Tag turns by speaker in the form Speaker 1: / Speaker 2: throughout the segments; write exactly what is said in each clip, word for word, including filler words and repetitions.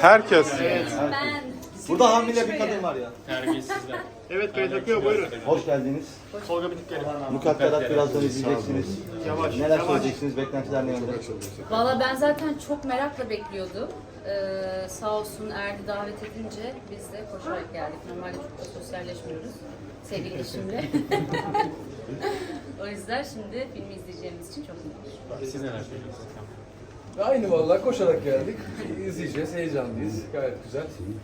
Speaker 1: Herkes.
Speaker 2: Ben.
Speaker 3: Burada hamile bir kadın var ya.
Speaker 4: Terbiyesizler.
Speaker 5: Evet kayıt akıyor, buyurun.
Speaker 3: Hoş geldiniz.
Speaker 5: Tolga Bitikleri.
Speaker 3: Mukadderat birazdan izleyeceksiniz.
Speaker 5: Yavaş,
Speaker 3: Neler
Speaker 5: yavaş.
Speaker 3: söyleyeceksiniz? Beklentiler ne yönde?
Speaker 2: Valla ben zaten çok merakla bekliyordum. Ee, sağ olsun Erdi davet edince biz de koşarak geldik. Normalde çok da sosyalleşmiyoruz sevgili eşimle. O yüzden şimdi filmi izleyeceğimiz için çok mutluyum.
Speaker 4: Siz neler söylüyorsunuz?
Speaker 6: Aynı vallahi koşarak geldik. İzleyeceğiz, heyecanlıyız. Gayet güzel.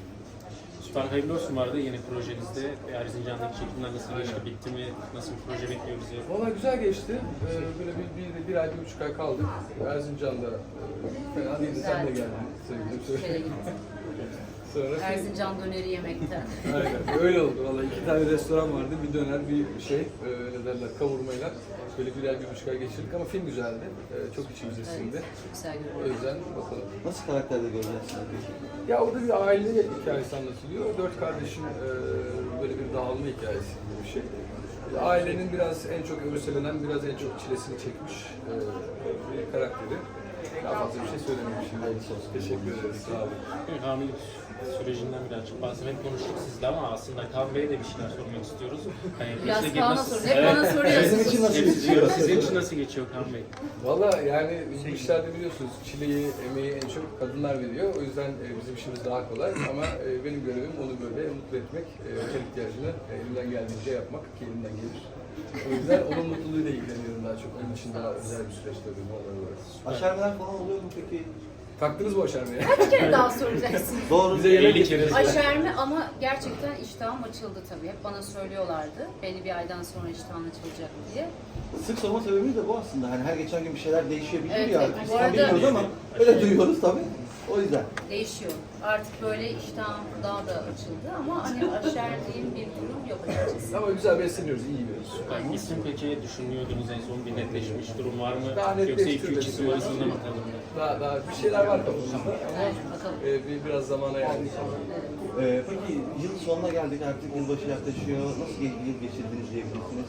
Speaker 4: Süper hayırlı olsun vardı yeni projenizde. Erzincan'daki çekimler nasıl geçti, bitti mi? Nasıl bir proje bekliyor bizi?
Speaker 6: Valla güzel geçti. Ee, böyle bir, bir, bir ay, bir buçuk ay kaldık. Erzincan'da e, fena değildi. Sen de geldin sevgilim.
Speaker 2: Şöyle gittim.
Speaker 6: Sonra
Speaker 2: Erzincan döneri yemekten.
Speaker 6: aynen öyle oldu. Valla iki tane restoran vardı. Bir döner, bir şey, e, ne derler, kavurmayla. Böyle bir ay, bir buçuk ay geçirdik ama film güzeldi. Ee, çok içimize sindi.
Speaker 2: Evet, çok güzel
Speaker 6: O
Speaker 2: görünüyor.
Speaker 6: yüzden bakalım.
Speaker 3: Nasıl karakterde göreceğiz sizi?
Speaker 6: Ya orada bir aile hikayesi anlatılıyor. Dört kardeşin e, böyle bir dağılma hikayesi gibi bir şey. Ailenin biraz en çok örselenen, biraz en çok çilesini çekmiş e, bir karakteri. Daha fazla bir şey söylemeyeyim şimdi. Teşekkür ederiz. Sağ olun.
Speaker 4: Evet, hamilelik sürecinden birazcık bahsetmek konuştuk sizle ama aslında Kaan Bey'e de bir şeyler sormak istiyoruz. Hani
Speaker 2: Biraz
Speaker 4: bize
Speaker 2: Kaan'a
Speaker 4: nasıl-
Speaker 2: sorun. Hep bana soruyorsunuz.
Speaker 3: Sizin için nasıl
Speaker 4: Evet,
Speaker 3: geçiyor?
Speaker 4: Sizin için nasıl geçiyor Kaan Bey?
Speaker 6: Valla yani bu işlerde biliyorsunuz çileyi, emeği en çok kadınlar veriyor. O yüzden e, bizim işimiz daha kolay ama e, benim görevim onu böyle mutlu etmek, e, her ihtiyacını e, elimden geldiğince yapmak ki elimden gelir. O yüzden onun mutluluğuyla ilgileniyorum daha çok. Onun için daha özel bir süreç tabii bu olarak.
Speaker 3: Aşermeler falan oluyor mu peki?
Speaker 6: Taktınız mı o şarmıya?
Speaker 2: Bir kere daha soracaksın.
Speaker 3: Doğru.
Speaker 6: Bize yemek
Speaker 4: elli kere-
Speaker 6: getirdiniz.
Speaker 2: Aşerme ama gerçekten iştahım açıldı tabii. Hep bana söylüyorlardı. Belli bir aydan sonra iştahın açılacak diye.
Speaker 3: Sık sorma sebebimiz de bu aslında. Hani her geçen gün bir şeyler değişebiliyor
Speaker 2: Evet,
Speaker 3: ya.
Speaker 2: evet.
Speaker 3: Biz
Speaker 2: Bu
Speaker 3: tam
Speaker 2: arada-
Speaker 3: bilmiyoruz ama öyle duyuyoruz tabii. O yüzden.
Speaker 2: Değişiyor. Artık böyle iştahım daha da açıldı ama hani aşerdiğim bir durum yok açıkçası.
Speaker 6: Ama güzel besleniyoruz, iyi yiyoruz.
Speaker 4: Süper. İsim peki düşünüyordunuz en son bir netleşmiş durum var mı?
Speaker 6: Daha
Speaker 4: Yoksa iki
Speaker 6: netleştirmedik.
Speaker 4: üç isim arasında mı kalın?
Speaker 6: Daha, daha bir şeyler var kafamızda ama
Speaker 2: Evet, bakalım.
Speaker 6: e, bir, biraz zamana yani.
Speaker 3: Ee, peki yıl sonuna geldik artık yılbaşı yaklaşıyor. Nasıl bir yıl geçirdiniz diyebilirsiniz?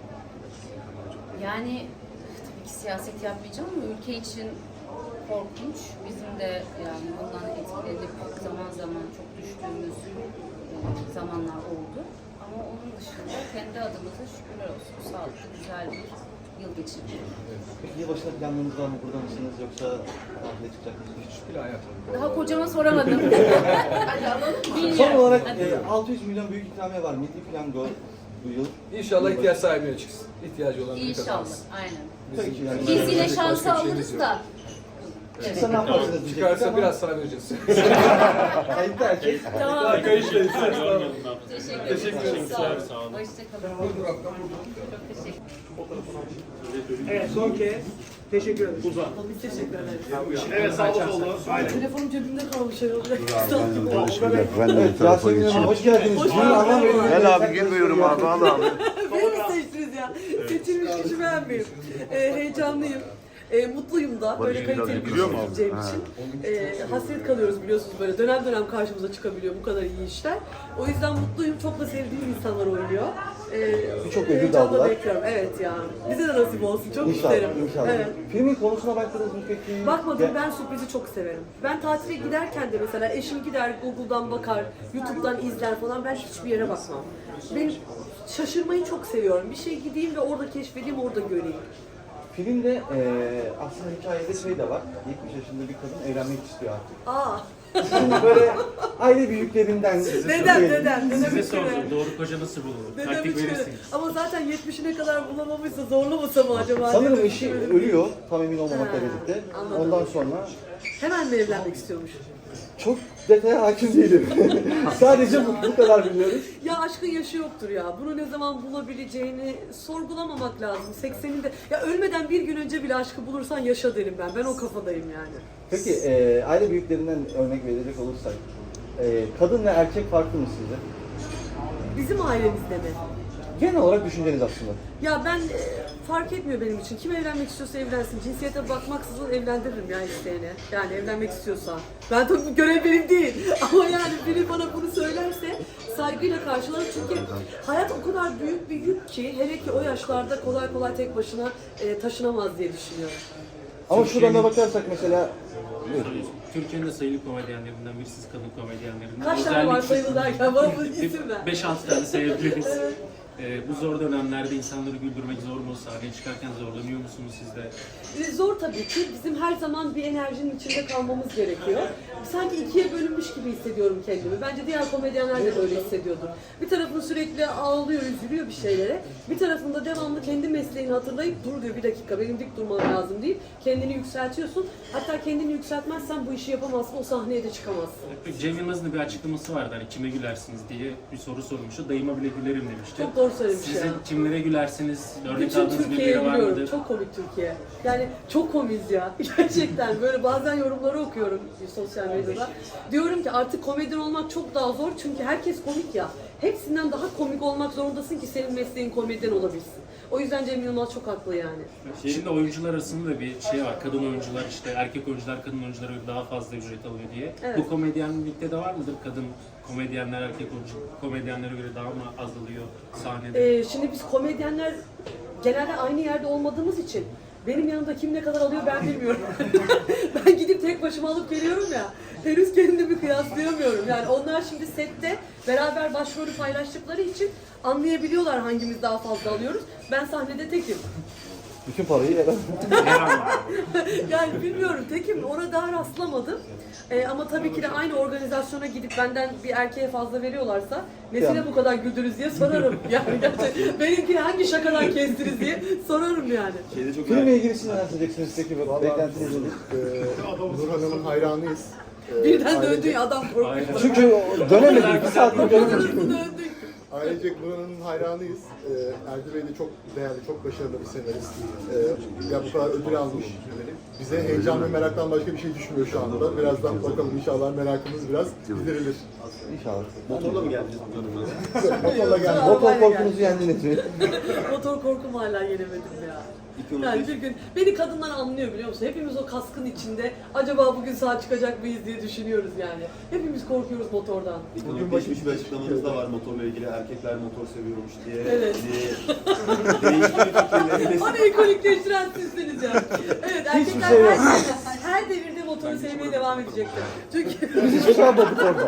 Speaker 2: Yani tabii ki siyaset yapmayacağım ama ülke için korkunç. Bizim de yani bundan etkilenip zaman zaman çok düştüğümüz e, zamanlar oldu. Ama onun dışında kendi adımıza şükürler olsun. Sağlıklı, güzel bir yıl geçirdik.
Speaker 3: Peki yılbaşında planlarınız var mı? Burada mısınız yoksa tatile çıkacak mısınız?
Speaker 6: Hiç plan yapmadık.
Speaker 2: Daha kocama soramadım. Hadi alalım. Bilmiyorum.
Speaker 3: Son olarak
Speaker 2: Hadi.
Speaker 3: e, altı yüz milyon büyük ikramiye var. Milli piyango bu yıl.
Speaker 6: İnşallah ihtiyaç sahibine çıksın. İhtiyacı olan biri
Speaker 2: İnşallah.
Speaker 6: kazansın.
Speaker 2: Aynen.
Speaker 3: Peki yani.
Speaker 2: Biz yine
Speaker 6: Başka
Speaker 2: şansı
Speaker 6: bir şeyimiz
Speaker 2: alırız
Speaker 6: yok.
Speaker 2: da. Evet.
Speaker 3: Çıksa ne yaparsınız diyecektik
Speaker 6: Çıkarsa
Speaker 3: ama
Speaker 6: biraz sana vereceğiz.
Speaker 3: kayıp da erkek.
Speaker 2: Tamam.
Speaker 6: Arkadaşlar.
Speaker 4: Yormayalım ne yapalım.
Speaker 2: Teşekkür
Speaker 6: Teşekkür
Speaker 2: ederim.
Speaker 6: ederim.
Speaker 2: Sağ olun.
Speaker 4: Sağ olun.
Speaker 2: Hoşçakalın. Çok teşekkür
Speaker 5: Evet, son kez. Teşekkür ederim. Uzan.
Speaker 7: Biz teşekkür ederiz.
Speaker 5: Evet, sağ ol solu. Aynen.
Speaker 7: Telefonum cebimde kalmış herhalde.
Speaker 8: Ben de
Speaker 3: Evet,
Speaker 8: bir tarafa
Speaker 3: Yasemin Hanım
Speaker 8: geçeyim.
Speaker 3: hoş geldiniz.
Speaker 7: Hoş
Speaker 3: Bunu anlamıyorum.
Speaker 8: Gel abi girmiyorum abi al abi.
Speaker 7: Beni mi seçtiniz ya? Seçilmiş kişi ben miyim? Ee, heyecanlıyım. Ee, mutluyum da böyle
Speaker 8: Barış biraz
Speaker 7: kaliteli bir
Speaker 8: gülüyor
Speaker 7: iş
Speaker 8: mu abi?
Speaker 7: yapacağım
Speaker 8: Ha.
Speaker 7: için. Ee, hasret kalıyoruz biliyorsunuz böyle dönem dönem karşımıza çıkabiliyor bu kadar iyi işler. O yüzden mutluyum. Çok da sevdiğim insanlar oynuyor. Ee,
Speaker 3: Birçok ödül de
Speaker 7: heyecanla
Speaker 3: aldılar.
Speaker 7: bekliyorum. Evet ya. Bize de nasip olsun. Çok
Speaker 3: İnşallah,
Speaker 7: isterim.
Speaker 3: inşallah.
Speaker 7: Evet.
Speaker 3: Filmin konusuna baktınız mı peki?
Speaker 7: Bakmadım,
Speaker 3: Ya-
Speaker 7: ben sürprizi çok severim. Ben tatile giderken de mesela eşim gider Google'dan bakar, YouTube'dan izler falan, ben hiçbir yere bakmam. Ben şaşırmayı çok seviyorum. Bir şey gideyim ve orada keşfedeyim, orada göreyim.
Speaker 3: Filmde e, aslında hikayede şey de var. yetmiş yaşında bir kadın evlenmek istiyor artık.
Speaker 7: Aa,
Speaker 3: Şimdi böyle aile büyüklerinden...
Speaker 7: dedem, dedem, dedem
Speaker 4: Size
Speaker 7: üç kere.
Speaker 4: sordum. Doğru koca nasıl bulunur?
Speaker 7: Dedem
Speaker 4: Taktik
Speaker 7: üç kere.
Speaker 4: verirsiniz.
Speaker 7: Ama zaten yetmişine kadar bulamamışsa zorlamasa mı acaba?
Speaker 3: Sanırım
Speaker 7: diye
Speaker 3: eşi
Speaker 7: düşünüyorum.
Speaker 3: ölüyor, tam emin olmamakla
Speaker 7: Ha,
Speaker 3: birlikte.
Speaker 7: anladım.
Speaker 3: Ondan sonra
Speaker 7: Hemen mi evlenmek istiyormuş?
Speaker 3: çok detaya hakim değilim. Sadece bu, bu kadar biliyoruz.
Speaker 7: Ya aşkın yaşı yoktur ya. Bunu ne zaman bulabileceğini sorgulamamak lazım. sekseninde ya ölmeden bir gün önce bile aşkı bulursan yaşa derim ben. Ben o kafadayım yani.
Speaker 3: Peki e, aile büyüklerinden örnek verecek olursak, e, kadın ve erkek farklı mı sizce?
Speaker 7: Bizim ailemizde mi?
Speaker 3: Genel olarak düşünceniz aslında.
Speaker 7: Ya ben e, fark etmiyor benim için. Kim evlenmek istiyorsa evlensin. Cinsiyete bakmaksızın evlendiririm ya isteyene. Yani evlenmek istiyorsa. Ben tabii bu görev benim değil. Ama yani biri bana bunu söylerse saygıyla karşılarım. Çünkü hayat o kadar büyük bir yük ki hele ki o yaşlarda kolay kolay tek başına e, taşınamaz diye düşünüyorum.
Speaker 3: Ama şuradan da bakarsak mesela
Speaker 4: Türkiye'nin de sayılı komedyenlerinden birisiz, kadın komedyenlerinden.
Speaker 7: Kaç tane var sayılı derken bana bu isim ver.
Speaker 4: beş altı tane sayabiliriz. Ee, bu zor dönemlerde insanları güldürmek zor mu? Sahneye çıkarken zorlanıyor musunuz siz de?
Speaker 7: E, Zor tabii ki. Bizim her zaman bir enerjinin içinde kalmamız gerekiyor. Sanki ikiye bölünmüş gibi hissediyorum kendimi. Bence diğer komedyenler de böyle hissediyordur. Bir tarafın sürekli ağlıyor, üzülüyor bir şeylere. Bir tarafında devamlı kendi mesleğini hatırlayıp dur diyor, bir dakika benim dik durmam lazım deyip kendini yükseltiyorsun. Hatta kendini yükseltmezsen bu işi yapamazsın, o sahneye de çıkamazsın.
Speaker 4: Cem Yılmaz'ın da bir açıklaması vardı, hani kime gülersiniz diye bir soru sormuştu. Dayıma bile gülerim demişti.
Speaker 7: Çok doğru söylemiş
Speaker 4: Sizin
Speaker 7: ya.
Speaker 4: kimlere gülersiniz? Örnek
Speaker 7: Bütün
Speaker 4: aldığınız
Speaker 7: Türkiye'yi
Speaker 4: birileri var
Speaker 7: biliyorum.
Speaker 4: mıdır?
Speaker 7: Çok komik Türkiye. Yani çok komiyiz ya. Gerçekten böyle bazen yorumları okuyorum sosyal medyada. Diyorum ki artık komedyen olmak çok daha zor çünkü herkes komik ya. Hepsinden daha komik olmak zorundasın ki senin mesleğin komedyen olabilsin. O yüzden Cem Yılmaz çok haklı yani.
Speaker 4: Şimdi oyuncular arasında da bir şey var. Kadın oyuncular işte erkek oyuncular kadın oyunculara göre daha fazla ücret alıyor diye.
Speaker 7: Evet.
Speaker 4: Bu komedyenlikte de var mıdır? Kadın komedyenler erkek oyuncu komedyenlere göre daha mı az alıyor sahnede?
Speaker 7: Ee, şimdi biz komedyenler genelde aynı yerde olmadığımız için benim yanımda kim ne kadar alıyor ben bilmiyorum. Ben gidip tek başıma alıp geliyorum ya. Henüz kendimi kıyaslayamıyorum. Yani onlar şimdi sette beraber başrolü paylaştıkları için anlayabiliyorlar hangimiz daha fazla alıyoruz. Ben sahnede tekim.
Speaker 3: Bütün parayı yere.
Speaker 7: Yani bilmiyorum tekim, ona daha rastlamadım. Ee, ama tabii ki de aynı organizasyona gidip benden bir erkeğe fazla veriyorlarsa nesine bu kadar güldünüz diye sorarım. Yani gerçekten benimkini hangi şakadan kestiniz diye sorarım yani.
Speaker 3: Şeyde çok Filmle ilgili siz neler söyleyeceksiniz peki? Beklentiniz nedir?
Speaker 1: Ee, Nur Hanım'ın hayranıyız. Ee,
Speaker 7: Birden
Speaker 1: ailece-
Speaker 7: döndü ya adam korktu.
Speaker 4: Aynen.
Speaker 3: Çünkü dönemedik, bir saattir dönemedik.
Speaker 7: Döndük.
Speaker 1: Ailecek Nur Hanım'ın hayranıyız. Ee, Erdi Bey de çok değerli, çok başarılı bir senarist. Ee, ya bu kadar ödül almış. Bize heyecan ve meraktan başka bir şey düşmüyor şu anda. Birazdan bakalım inşallah merakımız biraz giderilir.
Speaker 3: İnşallah.
Speaker 9: Motorla mı geldiniz bu döneme?
Speaker 1: Motorla geldik.
Speaker 3: Motor korkunuzu yendiniz mi?
Speaker 7: Motor korkum hala yenemedim ya. Yani bir gün beni kadınlar anlıyor biliyor musun? Hepimiz o kaskın içinde acaba bugün sağ çıkacak mıyız diye düşünüyoruz yani. Hepimiz korkuyoruz motordan.
Speaker 9: Bugün geçmiş bir açıklamanız da var motorla ilgili. Erkekler motor seviyormuş diye.
Speaker 7: Evet.
Speaker 9: diye değişik fikirleriniz.
Speaker 7: Onu ekonikleştiren sizsiniz ya. Evet erkekler
Speaker 3: şey yok.
Speaker 7: her, her devirde motoru sevmeye devam edecektir. Çünkü
Speaker 3: Biz hiçbir şey yapmadık orada.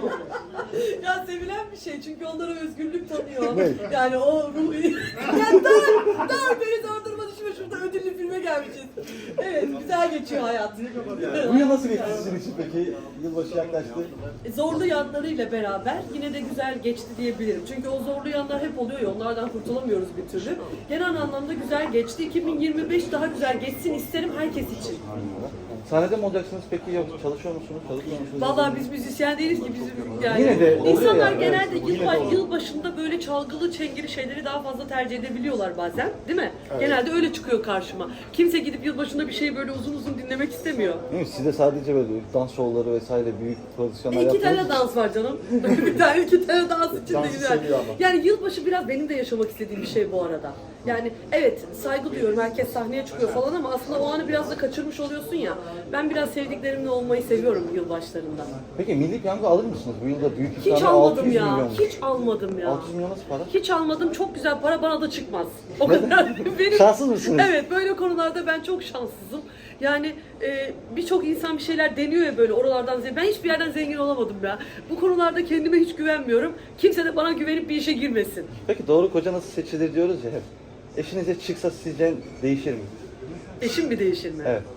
Speaker 7: ya sevilen bir şey çünkü onlara özgürlük tanıyor. Yani o ruhu... ya dur, dur beni durdurma düşme şurada ödüllü filme gelmişiz. Evet güzel geçiyor hayat.
Speaker 3: Bu yıl nasıl geçti sizin için peki? Yılbaşı yaklaştı.
Speaker 7: Zorlu yanlarıyla beraber yine de güzel geçti diyebilirim. Çünkü o zorlu yanlar hep oluyor ya onlardan kurtulamıyoruz bir türlü. Genel anlamda güzel geçti. iki bin yirmi beş daha güzel geçsin isterim herkes için.
Speaker 3: Sahnede mi olacaksınız peki yoksa çalışıyor musunuz, çalışmıyor musunuz?
Speaker 7: Vallahi biz müzisyen değiliz ki bizim yani.
Speaker 3: Yine de oluyor
Speaker 7: İnsanlar
Speaker 3: yani,
Speaker 7: genelde
Speaker 3: evet.
Speaker 7: yıl,
Speaker 3: Yine de oluyor.
Speaker 7: yıl başında böyle çalgılı çengeli şeyleri daha fazla tercih edebiliyorlar bazen, değil mi? Genelde öyle çıkıyor karşıma. Kimse gidip yıl başında bir şeyi böyle uzun uzun dinlemek istemiyor.
Speaker 3: Değil mi? Sizde sadece böyle dans şovları vesaire büyük prodüksiyonlar
Speaker 7: İki tane
Speaker 3: yaptınız.
Speaker 7: dans var canım. bir tane iki tane dans için de
Speaker 1: Dansı
Speaker 7: güzel.
Speaker 1: seviyor ama.
Speaker 7: Yani yılbaşı biraz benim de yaşamak istediğim bir şey bu arada. Yani evet saygı duyuyorum herkes sahneye çıkıyor falan ama aslında o anı biraz da kaçırmış oluyorsun ya. Ben biraz sevdiklerimle olmayı seviyorum yılbaşlarında.
Speaker 3: Peki milli piyango alır mısınız? Bu yılda büyük
Speaker 7: Hiç
Speaker 3: ikramiye
Speaker 7: almadım
Speaker 3: altı yüz
Speaker 7: ya.
Speaker 3: milyon.
Speaker 7: Hiç almadım ya.
Speaker 3: altı yüz milyon nasıl para?
Speaker 7: Hiç almadım. Çok güzel para bana da çıkmaz. O kadar. Benim,
Speaker 3: Şanssız mısınız?
Speaker 7: Evet, böyle konularda ben çok şanssızım. Yani e, birçok insan bir şeyler deniyor ya böyle oralardan zengin. Ben hiçbir yerden zengin olamadım ya. Bu konularda kendime hiç güvenmiyorum. Kimse de bana güvenip bir işe girmesin.
Speaker 3: Peki doğru koca nasıl seçilir diyoruz ya hep. Eşinize çıksa sizce değişir mi?
Speaker 7: Eşim mi değişir mi?
Speaker 3: Evet.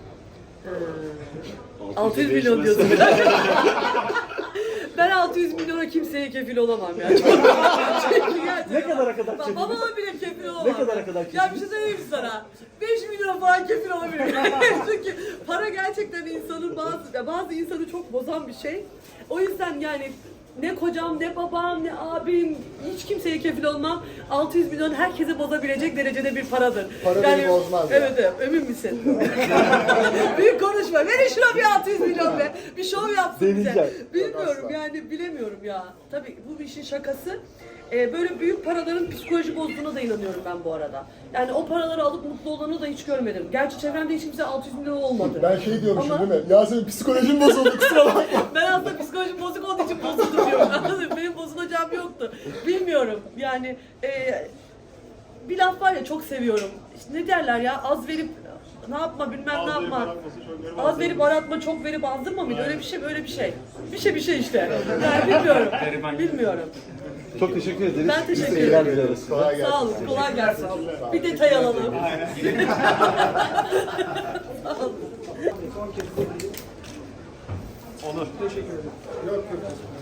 Speaker 7: altı yüz milyon diyorsun. Ben altı yüz milyona kimseye kefil olamam ya. Çünkü gerçekten-
Speaker 3: Ne kadara kadar
Speaker 7: Bak,
Speaker 3: kefil?
Speaker 7: babama bile kefil olamam.
Speaker 3: Ne kadara kadar kefil?
Speaker 7: Ya bir şey söyleyeyim mi sana? beş milyon falan kefil olabilirim. Çünkü para gerçekten insanın bazı, ya bazı insanı çok bozan bir şey. O yüzden yani ne kocam, ne babam, ne abim, hiç kimseye kefil olmam. altı yüz milyon herkese bozabilecek derecede bir paradır.
Speaker 1: Para beni bozmaz ya.
Speaker 7: Evet evet, emin misin? Büyük konuşma. Verin şuna bir altı yüz milyon be. Bir şov yapsın bize.
Speaker 3: Deneyeceğim.
Speaker 7: Bilmiyorum yani bilemiyorum ya. Tabii bu işin şakası. Ee, böyle büyük paraların psikoloji bozduğuna da inanıyorum ben bu arada. Yani o paraları alıp mutlu olanı da hiç görmedim. Gerçi çevremde hiç kimse altı yüz milyon olmadı.
Speaker 1: Ben şey diyormuşum
Speaker 7: Ama-
Speaker 1: değil mi? Ya senin psikolojin bozuldu kusura bakma.
Speaker 7: Ben aslında psikolojim bozuk olduğu için bozuldum diyorum. Anladın mı? Benim bozulacağım yoktu. Bilmiyorum yani e, bir laf var ya çok seviyorum. İşte ne derler ya az verip ne yapma bilmem ne yapma. Az verip aratma, çok verip azdırma mıydı? Öyle bir şey, böyle bir şey. Bir şey bir şey işte. Yani bilmiyorum. Bilmiyorum.
Speaker 3: Çok teşekkür ederiz.
Speaker 7: Ben teşekkür
Speaker 3: İyi seyirler
Speaker 7: ederim.
Speaker 3: dileriz.
Speaker 1: Kolay gelsin.
Speaker 7: Sağ olun, kolay gelsin. Bir detay alalım. Sağ olun.
Speaker 4: Onur. Teşekkür ederim. Yok yok.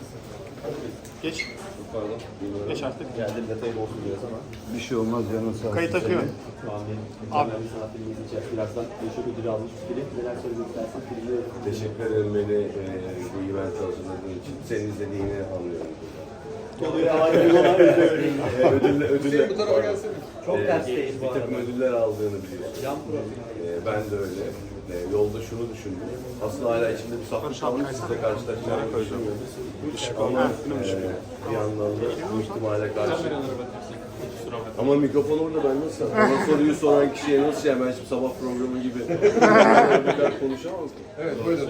Speaker 4: Geç.
Speaker 3: Pardon.
Speaker 4: Geç artık.
Speaker 9: Geldim detayı olsun biraz ama.
Speaker 8: Bir şey olmaz canın sağ olsun.
Speaker 4: Kayıt akıyor.
Speaker 9: Tahmin mükemmel bir sanat filmi izleyeceğiz. Birazdan Beşik ödülü almış bir film. Neler söylemek istersin? Filmi
Speaker 8: Teşekkür ederim beni e, bu event hazırladığın için. Senin izlediğini anlıyorum.
Speaker 9: oluyor. Harika
Speaker 8: ödül, ödül,
Speaker 6: Bu tarafa gelsene.
Speaker 9: Çok
Speaker 8: e,
Speaker 9: tersteyiz bu
Speaker 8: bir takım
Speaker 9: arada.
Speaker 8: ödüller aldığını biliyorsun.
Speaker 9: Yan profil.
Speaker 8: E, ben de öyle. E, yolda şunu düşündüm. Aslında hala içimde bir saflık kalmış. Sizle karşılaşacağımı düşünmüyorum. Ama e, bir yandan da bu ihtimale karşı.
Speaker 4: Kameralara bakarsak. Kusura bakma.
Speaker 8: Ama mikrofon orada, ben nasıl? Bana soruyu soran kişiye nasıl yani? Ben şimdi sabah programı gibi bir kadar konuşamam ki.
Speaker 6: Evet, buyurun.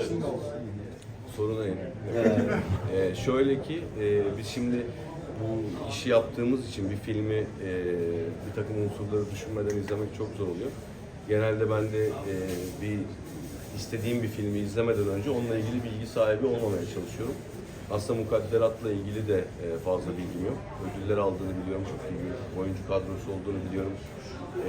Speaker 8: Sorun değil. Ee, şöyle ki e, biz şimdi bu işi yaptığımız için bir filmi e, bir takım unsurları düşünmeden izlemek çok zor oluyor. Genelde ben de e, bir istediğim bir filmi izlemeden önce onunla ilgili bilgi sahibi olmamaya çalışıyorum. Aslında Mukadderat'la ilgili de e, fazla bilgim yok. Ödüller aldığını biliyorum, çok iyi bir oyuncu kadrosu olduğunu biliyorum. E,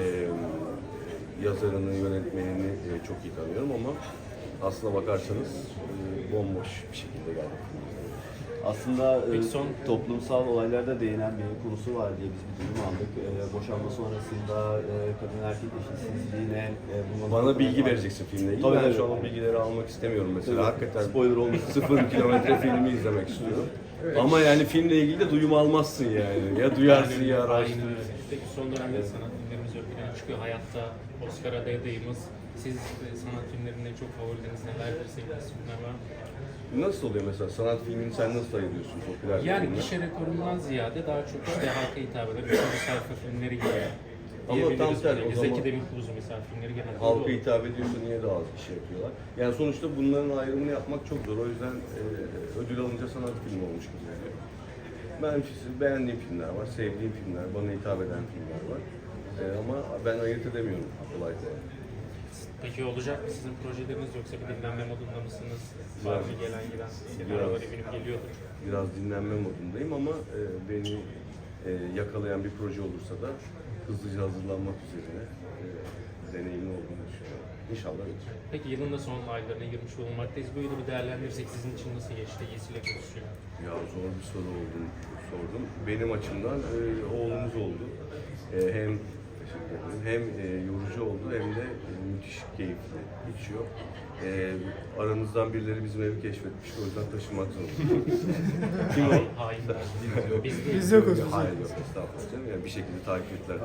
Speaker 8: yazarını, yönetmenini e, çok iyi tanıyorum ama aslına bakarsanız e, bomboş bir şekilde geldik.
Speaker 9: Aslında e,
Speaker 4: Peki son-
Speaker 9: toplumsal olaylarda değinen bir konusu var diye biz bir duyum aldık. E, boşanma sonrasında e, kadın erkek eşitsizliğine e, bununla
Speaker 8: Bana bilgi vereceksin filmle ilgili.
Speaker 9: Tabii,
Speaker 8: Ben
Speaker 9: tabii.
Speaker 8: şu an o bilgileri almak istemiyorum mesela.
Speaker 9: Tabii.
Speaker 8: Hakikaten
Speaker 9: Spoiler olmasın.
Speaker 8: Sıfır kilometre filmi izlemek istiyorum. Ama yani filmle ilgili de duyum almazsın yani. Ya duyarsın ya
Speaker 4: Aynen
Speaker 8: araştırırsın.
Speaker 4: öyle. Peki son dönemde sanat filmlerimiz ön plana çıkıyor. Hayatta Oscar adayımız. Siz e, sanat filmlerinde çok favorileriniz nelerdir? Sevdiğiniz filmler var mı?
Speaker 8: Nasıl oluyor mesela? Sanat filmini sen nasıl ayırıyorsun popüler
Speaker 4: Yani
Speaker 8: filmden?
Speaker 4: gişe rekorundan ziyade daha çok işte halka hitap eden üçüncü sayfa filmleri gibi.
Speaker 8: Ama tam
Speaker 4: diyebiliriz
Speaker 8: tersi,
Speaker 4: böyle.
Speaker 8: o zaman-
Speaker 4: Zeki Demirkubuz mesela filmleri genelde
Speaker 8: Halka
Speaker 4: öyle olur.
Speaker 8: hitap ediyorsa niye daha az kişi yapıyorlar? Yani sonuçta bunların ayrımını yapmak çok zor. O yüzden e, ödül alınca sanat filmi olmuş gibi geliyor. Ben beğendiğim filmler var, sevdiğim filmler, bana hitap eden filmler var. E, ama ben ayırt edemiyorum kolay kolay.
Speaker 4: Peki olacak mı sizin projeleriniz yoksa bir dinlenme modunda mısınız? Var mı gelen giden senaryolar eminim geliyordur.
Speaker 8: Biraz dinlenme modundayım ama e, beni e, yakalayan bir proje olursa da hızlıca hazırlanmak üzerine e, deneyimli olduğunu düşünüyorum. İnşallah öyle.
Speaker 4: Peki yılın da son aylarına girmiş bulunmaktayız. Böyle bir değerlendirirsek sizin için nasıl geçti? İyisiyle kötüsüyle.
Speaker 8: Ya zor bir soru oldu, sordum. Benim açımdan e, oğlumuz oldu. E, hem teşekkür ederim, hem e, yorucu oldu hem de e, müthiş keyifli geçiyor. E, aranızdan birileri bizim evi keşfetmiş, o yüzden taşınmak zorundayız. Kim o?
Speaker 4: Hainler. Biz
Speaker 8: Biz yokuz. Hayır yok, estağfurullah canım. Yani bir şekilde takip ettiler.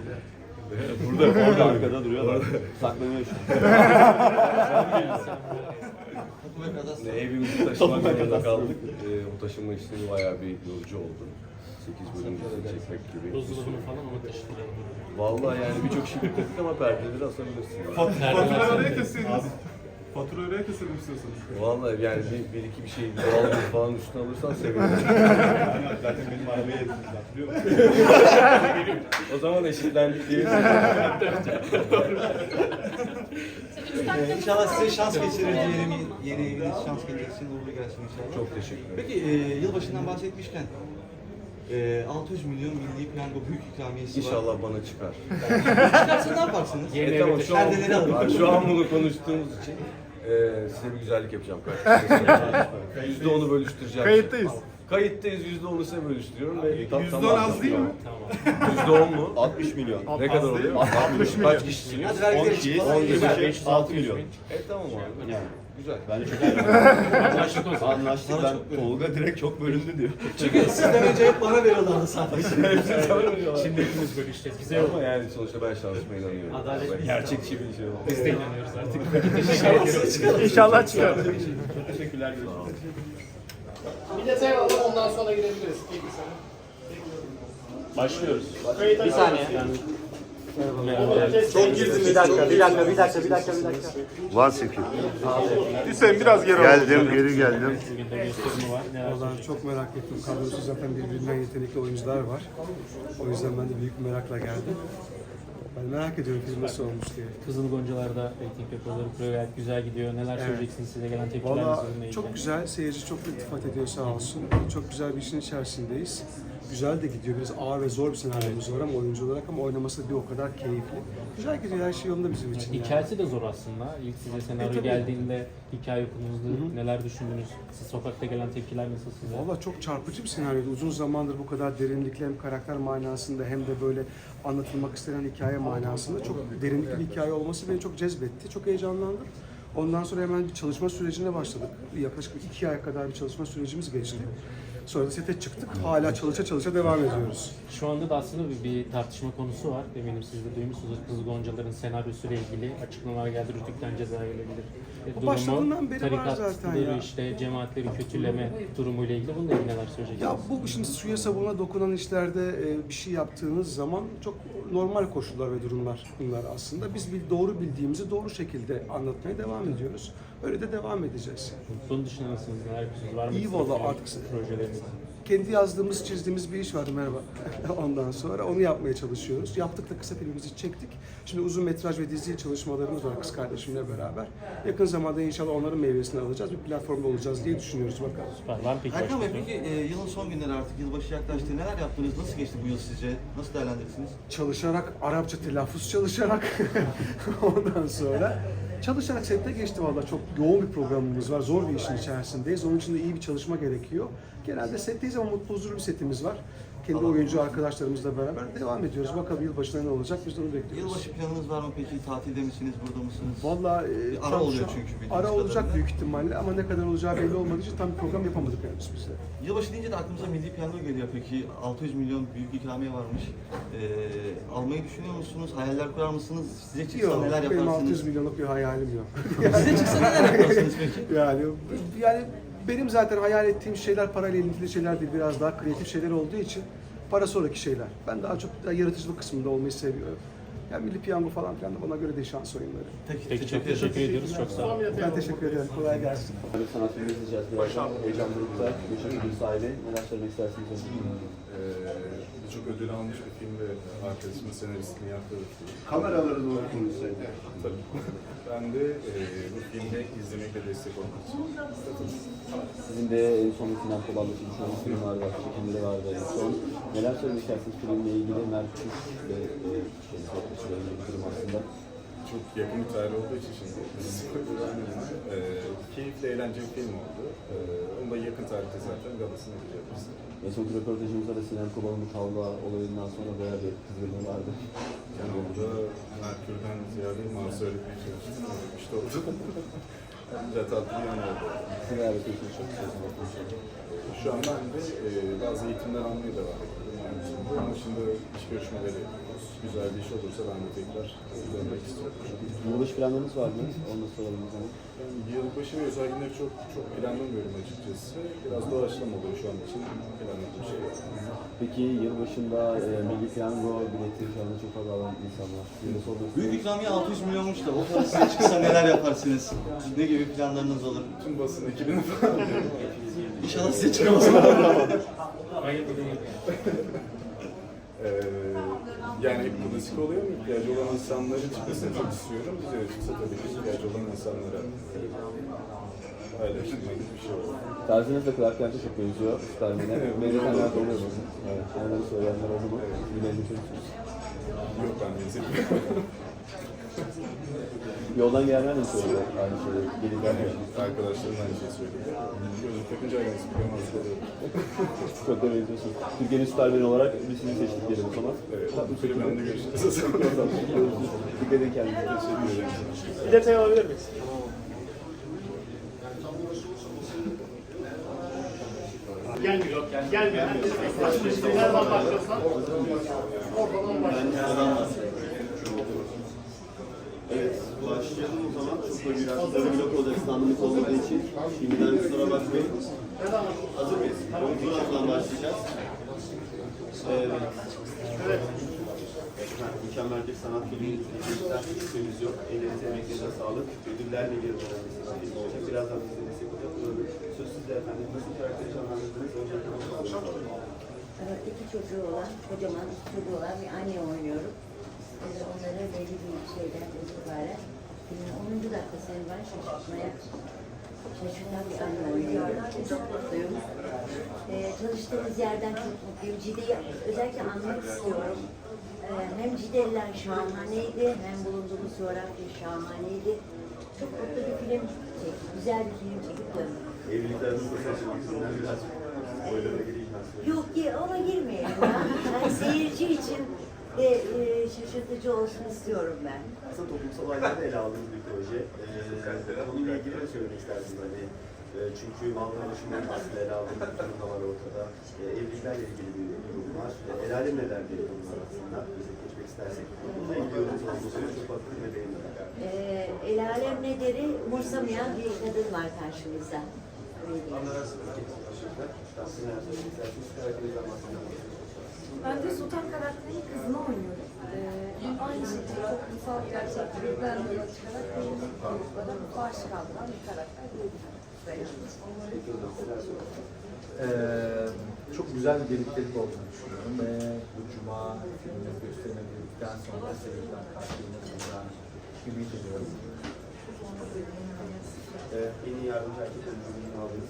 Speaker 8: Burada,
Speaker 9: Orada arkada duruyorlar. Saklanıyor şu an.
Speaker 8: Ne evimizi taşımak zorunda kaldık. E, o taşınma işlemi bayağı bir yorucu oldu. sekiz bölüm dizi çekmek gibi.
Speaker 4: buzdolabını falan mı taşıtıralım?
Speaker 8: Vallahi yani birçok şey bitirdik ama perdeleri asabilirsin.
Speaker 4: Fatura
Speaker 10: oraya keselim. Fatura oraya keselim istiyorsanız.
Speaker 8: Vallahi yani bir, bir iki bir şey doğal gaz falan üstüne alırsan sevinirim.
Speaker 9: Zaten benim arabaya yetiştik. Hatırlıyor musun?
Speaker 8: O zaman eşitlendik diye.
Speaker 11: İnşallah size şans geçirir diyelim. Yeni eviniz şans getirsin, uğurlu gelsin inşallah.
Speaker 8: Çok teşekkür ederim.
Speaker 11: Peki e, yılbaşından bahsetmişken e, altı yüz milyon milli piyango büyük ikramiyesi var.
Speaker 8: İnşallah bana çıkar.
Speaker 11: Çıkarsa ne yaparsınız?
Speaker 4: Yeni
Speaker 8: E tamam
Speaker 4: eve
Speaker 8: şu an,
Speaker 11: perdeleri alın.
Speaker 8: Bak, şu an bunu konuştuğumuz için e, size bir güzellik yapacağım kardeşim. Yüzde onu bölüştüreceğim.
Speaker 10: Kayıttayız.
Speaker 8: Kayıttayız, yüzde onu size bölüştürüyorum. ve tam-
Speaker 10: Yüzde
Speaker 8: tam
Speaker 10: on az değil mi?
Speaker 4: Tamam.
Speaker 8: Yüzde on mu?
Speaker 9: altmış milyon.
Speaker 8: Ne kadar oluyor?
Speaker 10: altmış milyon.
Speaker 8: Kaç kişisiniz?
Speaker 11: Hadi vergileri
Speaker 9: on kişi,
Speaker 11: çıkmasın.
Speaker 9: on
Speaker 11: Güzel.
Speaker 9: beş, altı milyon.
Speaker 8: E tamam abi.
Speaker 9: Yani.
Speaker 8: Güzel.
Speaker 9: Bence çok
Speaker 4: Anlaştık o zaman.
Speaker 9: anlaştık. Ben Tolga direkt çok bölündü diyor.
Speaker 11: Çünkü sizden önce hep bana veriyorlardı sadece.
Speaker 4: Şimdi hepimiz bölüşeceğiz. Bize yok.
Speaker 8: Ama yani sonuçta ben şansıma inanıyorum.
Speaker 11: Adalet
Speaker 8: Ben gerçekçi bir şey oldu.
Speaker 4: Biz de inanıyoruz artık. Peki teşekkür ediyoruz.
Speaker 10: İnşallah çıkar.
Speaker 9: Teşekkürler.
Speaker 10: Bir detay alalım ondan sonra gidebiliriz.
Speaker 4: Başlıyoruz.
Speaker 11: Bir saniye.
Speaker 10: Çok girdiniz.
Speaker 11: Bir dakika, bir dakika, bir dakika, bir dakika, bir dakika.
Speaker 8: Var sekiz.
Speaker 10: Hüseyin biraz geri al.
Speaker 8: Geldim, geri geldim.
Speaker 4: Bugün de gösterimi var. Ne
Speaker 12: Vallahi çok merak ettim. Kadrosu zaten birbirinden yetenekli oyuncular var. O yüzden ben de büyük bir merakla geldim. Ben merak ediyorum film nasıl olmuş diye.
Speaker 4: Kızıl Goncalar'da reyting rekorları kuruyor, gayet güzel gidiyor. Neler
Speaker 12: Evet.
Speaker 4: söyleyeceksiniz, size gelen tepkiler
Speaker 12: Valla
Speaker 4: bununla ilgili?
Speaker 12: çok güzel, seyirci çok iltifat ediyor sağ olsun. Çok güzel bir işin içerisindeyiz. Güzel de gidiyor, biraz ağır ve zor bir senaryomuz var ama oyuncu olarak ama oynaması da bir o kadar keyifli. Güzel gidiyor, her şey yolunda bizim için. yani.
Speaker 4: Hikayesi de zor aslında. İlk size senaryo
Speaker 12: E, tabii.
Speaker 4: geldiğinde hikaye okuduğunuzda neler düşündünüz? Siz sokakta gelen tepkiler nasıl size?
Speaker 12: Valla çok çarpıcı bir senaryoydu. Uzun zamandır bu kadar derinlikli hem karakter manasında hem de böyle anlatılmak istenen hikaye manasında çok derinlikli bir hikaye olması beni çok cezbetti. Çok heyecanlandım. Ondan sonra hemen bir çalışma sürecine başladık. Yaklaşık iki ay kadar bir çalışma sürecimiz geçti. Sonra da sete çıktık. Hala çalışa çalışa devam ediyoruz.
Speaker 4: Şu anda da aslında bir, bir tartışma konusu var. Eminim siz de duymuşsunuz. Kızıl Goncalar'ın senaryosuyla ilgili açıklamalar geldi. Rütük'ten ceza gelebilir. E,
Speaker 12: Bu başladığından beri var
Speaker 4: tarikat
Speaker 12: zaten
Speaker 4: siteleri,
Speaker 12: ya.
Speaker 4: işte cemaatleri kötüleme durumuyla ilgili. Bununla ilgili neler söyleyeceksiniz?
Speaker 12: Ya bu şimdi suya sabuna dokunan işlerde e, bir şey yaptığınız zaman çok normal koşullar ve durumlar bunlar aslında. Biz bir doğru bildiğimizi doğru şekilde anlatmaya devam ediyoruz. Öyle de devam edeceğiz.
Speaker 4: Bunun dışında nasılsınız? Neler yapıyorsunuz? Var mı?
Speaker 12: İyi
Speaker 4: sizin
Speaker 12: valla
Speaker 4: film
Speaker 12: artık
Speaker 4: projeleriniz?
Speaker 12: kendi yazdığımız, çizdiğimiz bir iş vardı merhaba. Ondan sonra onu yapmaya çalışıyoruz. Yaptık da kısa filmimizi çektik. Şimdi uzun metraj ve dizi çalışmalarımız var kız kardeşimle beraber. Yakın zamanda inşallah onların meyvesini alacağız. Bir platformda olacağız diye düşünüyoruz bakalım.
Speaker 4: Var, var mı peki
Speaker 11: Erkan Bey
Speaker 4: başka?
Speaker 11: peki e, yılın son günleri artık yılbaşı yaklaştı. Neler yaptınız? Nasıl geçti bu yıl sizce? Nasıl değerlendirirsiniz?
Speaker 12: Çalışarak, Arapça telaffuz çalışarak ondan sonra çalışarak sette geçti valla. Çok yoğun bir programımız var. Zor bir işin içerisindeyiz. Onun için de iyi bir çalışma gerekiyor. Genelde setteyiz ama mutlu huzurlu bir setimiz var. Kendi oyuncu arkadaşlarımızla beraber devam ediyoruz. Bakalım yılbaşında ne olacak biz de onu bekliyoruz.
Speaker 11: Yılbaşı planınız var mı peki? Tatilde misiniz? Burada mısınız?
Speaker 12: Valla
Speaker 11: Bir ara oluyor çünkü bildiğimiz
Speaker 12: Ara olacak
Speaker 11: kadarıyla.
Speaker 12: büyük ihtimalle ama ne kadar olacağı belli olmadığı için tam bir program yapamadık henüz biz de.
Speaker 11: Yılbaşı deyince de aklımıza milli piyango geliyor peki. altı yüz milyon büyük ikramiye varmış. Ee, almayı düşünüyor musunuz? Hayaller kurar mısınız? Size çıksa
Speaker 12: Yok,
Speaker 11: neler
Speaker 12: benim
Speaker 11: yaparsınız?
Speaker 12: altı yüz milyonluk bir hayalim yok.
Speaker 11: Size çıksa neler yaparsınız peki?
Speaker 12: yani yani benim zaten hayal ettiğim şeyler parayla ilintili şeyler değil, biraz daha kreatif şeyler olduğu için para sonraki şeyler. Ben daha çok daha yaratıcılık kısmında olmayı seviyorum. Yani milli piyango falan filan da bana göre değil şans oyunları.
Speaker 11: Peki,
Speaker 4: Peki çok teşekkür ediyoruz. Çok sağ olun.
Speaker 12: Ben teşekkür ederim. Kolay gelsin.
Speaker 9: Bir sanat filmi izleyeceğiz birazdan. Heyecan Grup'ta Gülşen Ödül sahibi. Neler söylemek istersiniz?
Speaker 13: Ee, Birçok ödül almış bir film ve arkadaşımın senaristliğini yaptığı bir film.
Speaker 9: Kameraları doğru konuşsaydı.
Speaker 13: Tabii. Ben de e, bu filmde izlemekle destek olmak için katıldım.
Speaker 9: Sizin de en son final kovallısı düşünüyorsunuz. Film vardı, çekimleri vardı en son. Neler söylemek istersiniz filmle ilgili? Mert Kuş ve e, şey, bir durum aslında.
Speaker 13: Çok yakın bir tarih olduğu için şimdi spoiler vermeyeyim. Ee, keyifli, eğlenceli bir film oldu. Ee, onu da yakın tarihte zaten galasını yapacağız.
Speaker 9: En sonki röportajımızda da Sinem Kobal'ın bu tavla olayından sonra bayağı bir kızgınlığı vardı.
Speaker 13: Yani orada Merkür'den ziyade Mars'ı öğretmeye çalıştım. İşte oldu. Güzel tatlı bir yanı oldu.
Speaker 9: Size davet ediyorsunuz. Çok istiyorsunuz.
Speaker 13: Şu an ben de e, bazı eğitimler almaya devam ediyorum. Yani şimdi, ama şimdi iş görüşmeleri güzel bir iş olursa ben de tekrar dönmek istiyorum.
Speaker 9: Yılbaşı planlarınız var mı? Onu da soralım o zaman.
Speaker 13: Yani yılbaşı ve özel günleri çok çok planlamıyorum açıkçası. Biraz doğaçlama oluyor şu an için planladığım şey yok.
Speaker 9: Peki yılbaşında e, Milli Piyango bileti şu anda çok fazla alan insan var. Size de sormak
Speaker 11: Büyük
Speaker 9: istiyorum.
Speaker 11: ikramiye altı yüz milyonmuş da o para size çıksa neler yaparsınız? Ne gibi planlarınız olur?
Speaker 13: Tüm basın ekibini falan
Speaker 11: İnşallah size çıkamaz.
Speaker 13: Ee, yani hep klasik oluyor mu? İhtiyacı olan insanların çıkmasını çok istiyorum. Bize de çıksa tabii ki ihtiyacı olan insanlara paylaştırmak bir şey olur.
Speaker 9: Tarzınız da Clark Kent'e çok benziyor. Starman'e. Benzetenler de oluyor bakın. Evet. Onları söyleyenler oldu mu? Bilerini çözüyorsunuz.
Speaker 13: Yok ben benzemiyorum.
Speaker 9: Yoldan gelenler de söylüyor aynı şeyi. Gelin
Speaker 13: Yani
Speaker 9: gelmiyor.
Speaker 13: arkadaşlarım aynı şeyi söyledi. Gözlük takınca aynısı biliyorum aslında.
Speaker 9: Çok da benziyorsunuz. Türkiye'nin Starman olarak biz sizi seçtik diyelim o zaman.
Speaker 13: Evet, bu filmlerinde görüşürüz.
Speaker 9: Dikkat edin kendinize.
Speaker 13: Teşekkür ederim.
Speaker 5: Bir detay alabilir miyiz? Gelmiyor. Gelmiyor. Nereden başlıyorsan oradan başlıyorsan.
Speaker 9: Evet, başlayalım o zaman. Çok da biraz da blok olacak standımız olmadığı için. Şimdiden kusura bakmayın. Hazır mıyız? Oyunculardan başlayacağız. Evet.
Speaker 5: Evet.
Speaker 9: Mükemmel bir sanat filmi izleyiciler. Hiçbirimiz yok. Ellerinize, emeklerinize sağlık. Ödüllerle geri dönen bir sanat filmi olacak. Birazdan bize destek olacak. Söz sizde efendim. Nasıl karakteri canlandırdınız? Öncelikle onu soralım.
Speaker 14: İki çocuğu olan, kocaman iki çocuğu olan bir anne oynuyorum. Biz onları belli bir şeyden itibaren filmin onuncu dakikasını ben şaşırtmaya şaşırtan bir anne oynuyorum. Çok mutluyum. Ee, çalıştığımız yerden çok mutluyum. Cide'yi özellikle anmak istiyorum. Ee, hem Cideliler şahaneydi, hem bulunduğumuz coğrafya şahaneydi. Çok mutlu bir film çektik, güzel bir film çekip döndük.
Speaker 9: Evlilikler nasıl şaşırtmışsınlar biraz spoiler'a gireyim ben size.
Speaker 14: Yok ki ona girmeyelim ya. Yani seyirci için de e, şaşırtıcı olsun istiyorum ben.
Speaker 9: Aslında toplumsal olayları ele aldığınız bir proje. Ee, konuyla ilgili ne söylemek istersiniz? Hani, e, çünkü Malmö Başı'nın aslında ele aldığınız bir durum da var ortada. E, evliliklerle ilgili bir durum var. E, el alem neler diye bunlar aslında. Bize geçmek istersek. Bununla ilgili yorumumuz olduğunu çok bakın ve beğendim.
Speaker 14: E, el alem ne deri umursamayan bir kadın var karşımızda. Öyle diyeyim.
Speaker 9: Siz neler söylemek istersiniz? Karakterinizden bahsedelim.
Speaker 15: Ben de Sultan karakterinin kızını oynuyorum. Ee, aynı şekilde toplumsal gerçeklikten yola çıkarak belirli gruplara karşı kaldıran bir karakter diyebilirim.
Speaker 16: Ee, çok güzel bir birliktelik olduğunu düşünüyorum ve bu cuma filmini gösterilmedikten sonra seyirciden karşılığında bulacağını ümit ediyorum.
Speaker 9: Ee, en iyi yardımcı erkek oyunculuğunu aldınız.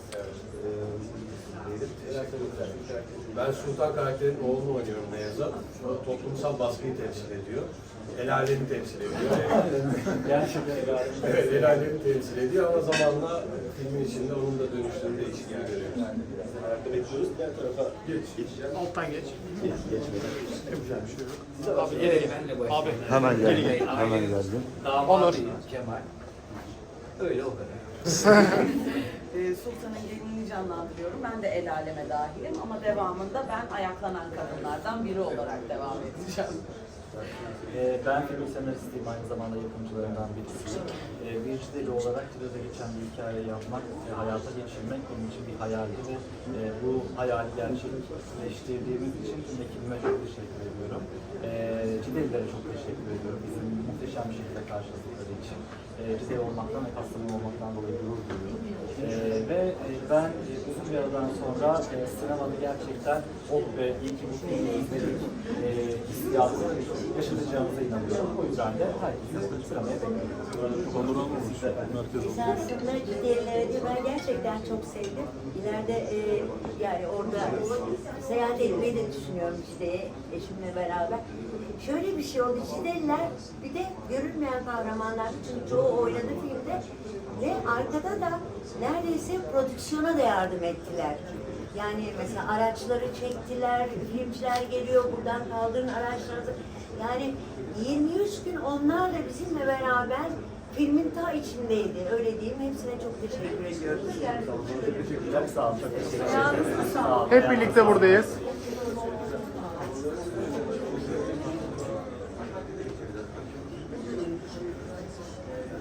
Speaker 17: Ben Sultan karakterinin oğlunu oynuyorum Nevzat. O toplumsal baskıyı temsil ediyor. El alemi temsil ediyor.
Speaker 16: Gerçekten el alemi.
Speaker 17: Evet, el alemi temsil ediyor ama zamanla filmin içinde onun da dönüştüğünü değişikliği görüyoruz.
Speaker 9: Ayakta bekliyoruz. Diğer tarafa
Speaker 10: Geç.
Speaker 9: geçeceğim.
Speaker 10: Alttan geç.
Speaker 9: Geç, geçmeden.
Speaker 10: Yapacağım bir şey yok.
Speaker 9: Abi
Speaker 10: gelelim. Abi.
Speaker 8: Hemen
Speaker 10: Geri
Speaker 8: geldim.
Speaker 10: gel.
Speaker 8: Hemen geldim.
Speaker 10: Onur.
Speaker 16: Kemal. Öyle o kadar.
Speaker 15: Ee, Sultan'ın gelinini canlandırıyorum. Ben de el aleme dahilim ama devamında ben ayaklanan kadınlardan biri olarak devam edeceğim.
Speaker 16: Ee, ben film senaristiyim, aynı zamanda yapımcılarından birisiyim. Ee, bir Cideli olarak Cide'de geçen bir hikaye yapmak, e, hayata geçirmek benim için bir hayaldi ve e, bu hayali gerçekleştirdiğimiz için tüm ekibime çok teşekkür ediyorum. Ee, Cidelilere çok teşekkür ediyorum bizim muhteşem bir şekilde karşıladıkları için. E, Cideli olmaktan ve Kastamonu olmaktan dolayı gurur duyuyorum. E, ve e, ben e, uzun bir aradan sonra e, sinemada gerçekten o ve iyi ki bu filmi izledik e, hissiyatını yaşatacağımıza inanıyorum. O yüzden de herkesi sinemaya bekliyorum.
Speaker 13: Onur olmamış.
Speaker 14: Esasında Cidelileri de ben gerçekten çok sevdim. İleride e, yani orada seyahat etmeyi de düşünüyorum Cide'ye, eşimle beraber. Şöyle bir şey oldu, Cideliler bir de görünmeyen kahramanlar, çünkü çoğu oynadı filmde ve arkada da neredeyse prodüksiyona da yardım ettiler. Yani mesela araçları çektiler, filmciler geliyor, buradan kaldırın araçlarınızı. Yani yirmi üç gün onlarla bizimle beraber filmin ta içindeydi. Öyle diyeyim. Hepsine çok teşekkür ediyoruz.
Speaker 16: Çok sağ olun, çok teşekkür ederim.
Speaker 10: Hep birlikte buradayız.